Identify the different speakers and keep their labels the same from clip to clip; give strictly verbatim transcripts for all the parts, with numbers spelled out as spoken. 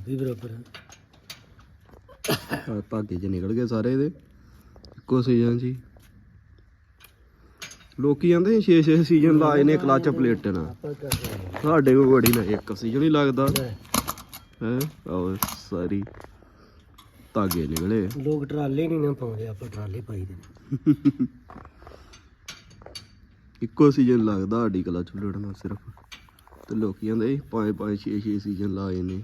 Speaker 1: भी बराबर
Speaker 2: धागे च निकल गए सारे दे इक्को सीजन जी लोकी कहते छे छे सीजन लाए ने क्लच प्लेट ना साढ़े को बड़ी ना एक सीजन ही लगता है सारी धागे निकले
Speaker 1: लोग ट्राले नहीं ना पाते आप ट्राले पाई दे
Speaker 2: इक्को सीजन लगता साड़ी क्लच प्लेट ना सिर्फ तो लोग कहते पाँच पाँच छे छे सीजन लाए ने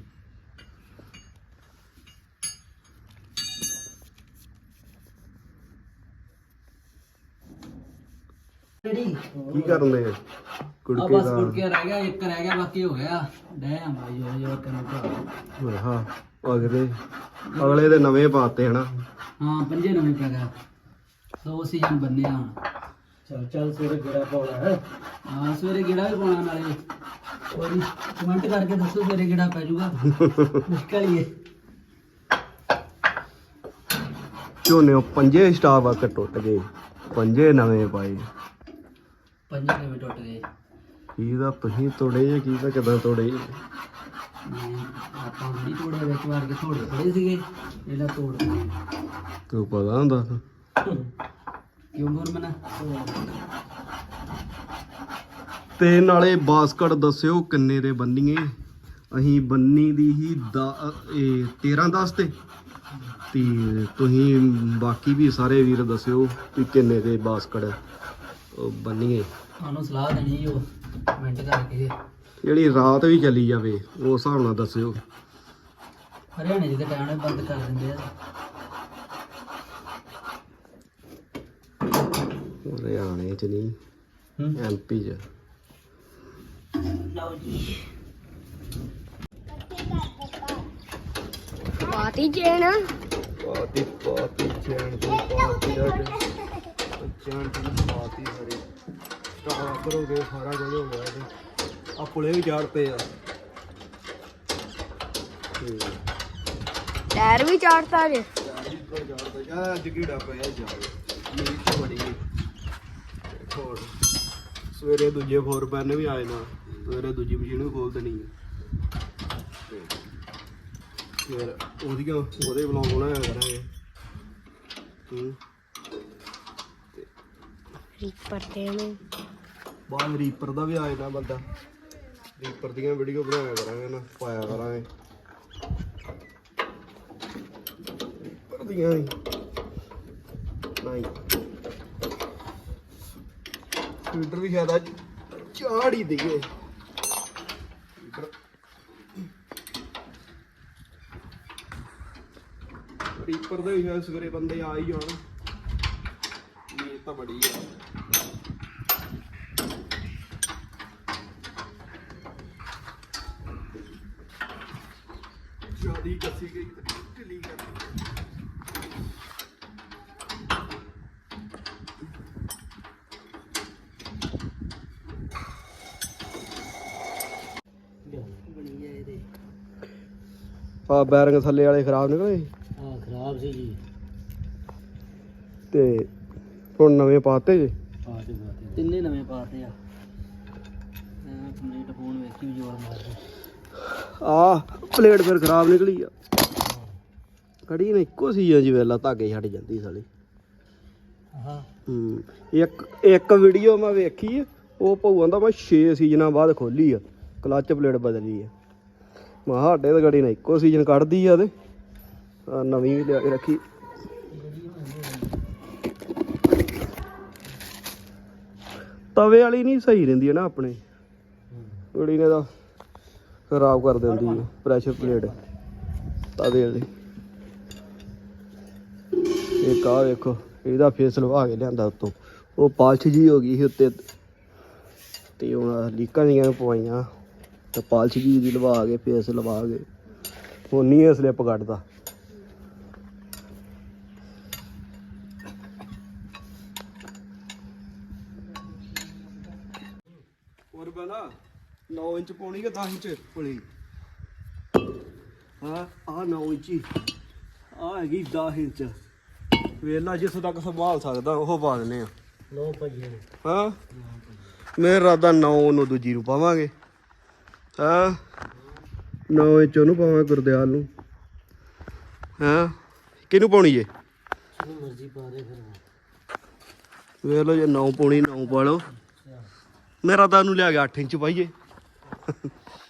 Speaker 2: की करने कुड़के
Speaker 1: बस कुड़के रह गया एक रह गया बाकी हो गया डैम भाई जो जो करना
Speaker 2: हाँ अगले अगले दे नवे पाते है ना
Speaker 1: हाँ पंजे नवे पै गया सौ सीजन बनने हैं चल चल सवेरे गेड़ा पाना है हाँ सवेरे गेड़ा भी पाना नाले और कमेंट करके दसो सवेरे गेड़ा पै जाऊगा मुश्किल ही है
Speaker 2: झोने पंजे स्टाफ आके टुट गए पंजे नवे पाए
Speaker 1: पंजे नवे टुट गए
Speaker 2: की दा तुसीं तोड़े या की दा किदां तोड़े
Speaker 1: ਆਪਾਂ ਵੀ ਤੋੜੇ ਵਿੱਚ ਵਾਰ ਕੇ ਥੋੜੇ ਥੋੜੇ ਸੀਗੇ ਇਹਦਾ ਤੋੜ
Speaker 2: ਤੂੰ ਪਤਾ ਹੁੰਦਾ
Speaker 1: ਕਿਉਂ ਗੁਰਮਨਾ
Speaker 2: ਤੇ ਨਾਲੇ ਬਾਸਕਟ ਦੱਸਿਓ ਕਿੰਨੇ ਦੇ ਬੰਨੀਏ ਅਸੀਂ ਬੰਨੀ ਦੀ ਹੀ ਇਹ ਤੇਰਾਂ ਦਸ ਤੇ ਤੇ ਤੁਸੀਂ ਬਾਕੀ ਵੀ ਸਾਰੇ ਵੀਰ ਦੱਸਿਓ ਕਿ ਕਿੰਨੇ ਦੇ ਬਾਸਕਟ ਬੰਨੀਏ
Speaker 1: ਸਾਨੂੰ ਸਲਾਹ ਦੇਣੀ ਉਹ ਕਮੈਂਟ ਕਰਕੇ
Speaker 2: ਜਿਹੜੀ ਰਾਤ ਵੀ ਚੱਲੀ ਜਾਵੇ ਉਸ ਹਿਸਾਬ ਨਾਲ ਦੱਸਿਓ
Speaker 1: ਹਰਿਆਣੇ ਦੇ ਟਾਈਮ ਨਾਲ ਬੰਦ ਕਰ ਦਿੰਦੇ ਆ
Speaker 2: ਹਰਿਆਣੇ ਚ ਨਹੀਂ ਐਮਪੀ ਚ
Speaker 1: ਲਓ ਜੀ
Speaker 3: ਪਾਤੀ ਚੇਨ
Speaker 2: ਪਾਤੀ ਪਾਤੀ ਚੈਨ ਦੀ ਪਾਤੀ ਅੱਜ ਚੈਨ ਦੀ ਪਾਤੀ ਸਾਰੀ ਸਟਾਰਟ ਕਰੋਗੇ ਸਾਰਾ ਕੁਝ ਹੋ ਗਿਆ ਤੇ ਆ ਪੁਲੇ ਵੀ ਚਾੜ ਪਏ ਆ
Speaker 3: ਟਾਇਰ ਵੀ ਚਾੜਤਾ ਜੇ
Speaker 2: ਸਵੇਰੇ ਦੂਜੇ ਫੋਰ ਪੈਨ ਵੀ ਆਏ ਨਾ ਸਵੇਰੇ ਦੂਜੀ ਮਸ਼ੀਨ ਵੀ ਖੋਲ ਦੇਣੀ ਹੈ ਫਿਰ ਉਹਦੀਆਂ ਉਹਦੇ ਬਲੌਗ ਬਣਾਇਆ ਕਰਾਂਗੇ ਹੂੰ
Speaker 3: ਰੀਪਰ ਤੇ ਨੂੰ
Speaker 2: ਬਾਅਦ ਰੀਪਰ ਦਾ ਵੀ ਆਏ ਨਾ ਬੰਦਾ ਰੀਪਰ ਦੀਆਂ ਵੀਡੀਓ ਬਣਾਇਆ ਕਰਾਂਗੇ ਨਾ ਪਾਇਆ ਕਰਾਂਗੇ ਰੀਪਰ ਦੀਆਂ ਨਹੀਂ ਟਵਿੱਟਰ ਵੀ ਸ਼ਾਇਦ ਅੱਜ ਚਾੜ ਹੀ ਦਈਏ ਰੀਪਰ ਦੇ ਵੀ ਸ਼ਾਇਦ ਸਵੇਰੇ ਬੰਦੇ ਆ ਹੀ ਜਾਣ ਇਹ ਤਾਂ ਬੜੀ ਆ ਜਿਆਦੀ ਕੱਸੀ ਗਈ ਤੇ ਢਿੱਲੀ ਕਰ ਆ ਬੈਰਿੰਗ ਥੱਲੇ ਵਾਲੇ ਖਰਾਬ ਨਿਕਲੇ
Speaker 1: ਹਾਂ ਖਰਾਬ ਸੀ ਜੀ
Speaker 2: ਤੇ ਹੁਣ ਨਵੇਂ ਪਾਤੇ ਜੇ
Speaker 1: ਪਾਤੇ ਪਾਤੇ ਤਿੰਨੇ ਨਵੇਂ ਪਾਤੇ ਆ ਮੈਂ ਕੰਪਲੀਟ ਫੋਨ ਵੇਖੀ ਜੋਰ ਮਾਰਦੇ
Speaker 2: ਆ ਪਲੇਟ ਫਿਰ ਖਰਾਬ ਨਿਕਲੀ ਆ ਕੜੀ ਨੇ ਇੱਕੋ ਸੀ ਜੀ ਵੇਲਾ ਧਾਗੇ ਛੱਡ ਜਾਂਦੀ ਸਾਲੀ
Speaker 1: ਹਾਂ
Speaker 2: ਹੂੰ ਇੱਕ ਇੱਕ ਵੀਡੀਓ ਮੈਂ ਵੇਖੀ ਉਹ ਭਊਆਂ ਦਾ ਮੈਂ ਛੇ ਸੀਜ਼ਨਾਂ ਬਾਅਦ ਖੋਲੀ ਆ ਕਲੱਚ ਪਲੇਟ ਬਦਲੀ ਆ ਮੈਂ ਸਾਡੇ ਤਾਂ ਗੜੀ ਨੇ ਇੱਕੋ ਸੀਜ਼ਨ ਕੱਢਦੀ ਆ ਤੇ ਨਵੀਂ ਵੀ ਲਿਆ ਕੇ ਰੱਖੀ ਤਵੇ ਵਾਲੀ ਨਹੀਂ ਸਹੀ ਰਹਿੰਦੀ ਹੈ ਨਾ ਆਪਣੇ ਗੜੀ ਨੇ ਤਾਂ ਖਰਾਬ ਕਰ ਦਿੰਦੀ ਹੈ ਪ੍ਰੈਸ਼ਰ ਪਲੇਟ ਤਵੇ ਵਾਲੀ ਇੱਕ ਆ ਵੇਖੋ ਇਹਦਾ ਫੇਸ ਲਵਾ ਕੇ ਲਿਆਂਦਾ ਉੱਤੋਂ ਉਹ ਪਾਲਸ਼ ਜੀ ਹੋ ਗਈ ਸੀ ਉੱਤੇ ਤੇ ਹੁਣ ਲੀਕਾਂ ਜੀਆਂ ਪਵਾਈਆਂ ਤੇ ਪਾਲਸ਼ ਜੀ ਦੀ ਲਵਾ ਕੇ ਫੇਸ ਲਵਾ ਕੇ ਹੁਣ ਨਹੀਂ ਇਹ ਸਲਿੱਪ ਕੱਢਦਾ ਹੋਰ ਬਣਾ ਨੌ ਇੰਚ ਪਾਉਣੀ ਕਿ ਦਸ ਇੰਚ ਪੁਲੀ ਹਾਂ ਆ ਨੌ ਇੰਚੀ ਆ ਹੈਗੀ ਦਸ ਇੰਚ ਵੇਲਾ ਜਿਸ ਤੱਕ ਸੰਭਾਲ ਸਕਦਾ ਉਹ ਪਾ ਦਿੰਦੇ ਆ
Speaker 1: ਲੋ ਭਾਜੀ
Speaker 2: ਹਾਂ ਮੇਰਾ ਰਾਦਾ ਨੌ ਨੂੰ ਦੂਜੀ ਨੂੰ ਪਾਵਾਂਗੇ ਹਾਂ ਨੌ ਇੰਚ ਉਹਨੂੰ ਪਾਵਾਂ ਗੁਰਦਿਆਲ ਨੂੰ ਹਾਂ ਕਿਹਨੂੰ ਪਾਉਣੀ ਜੇ
Speaker 1: ਜਿਹਨੂੰ ਮਰਜ਼ੀ ਪਾ ਦੇ ਫਿਰ
Speaker 2: ਵੇਖ ਲਓ ਜੇ ਨੌ ਪਾਉਣੀ ਨੌ ਪਾ ਲਓ ਮੇਰਾ ਤਾਂ ਉਹਨੂੰ ਲਿਆ ਕੇ ਅੱਠ ਇੰਚ ਪਾਈਏ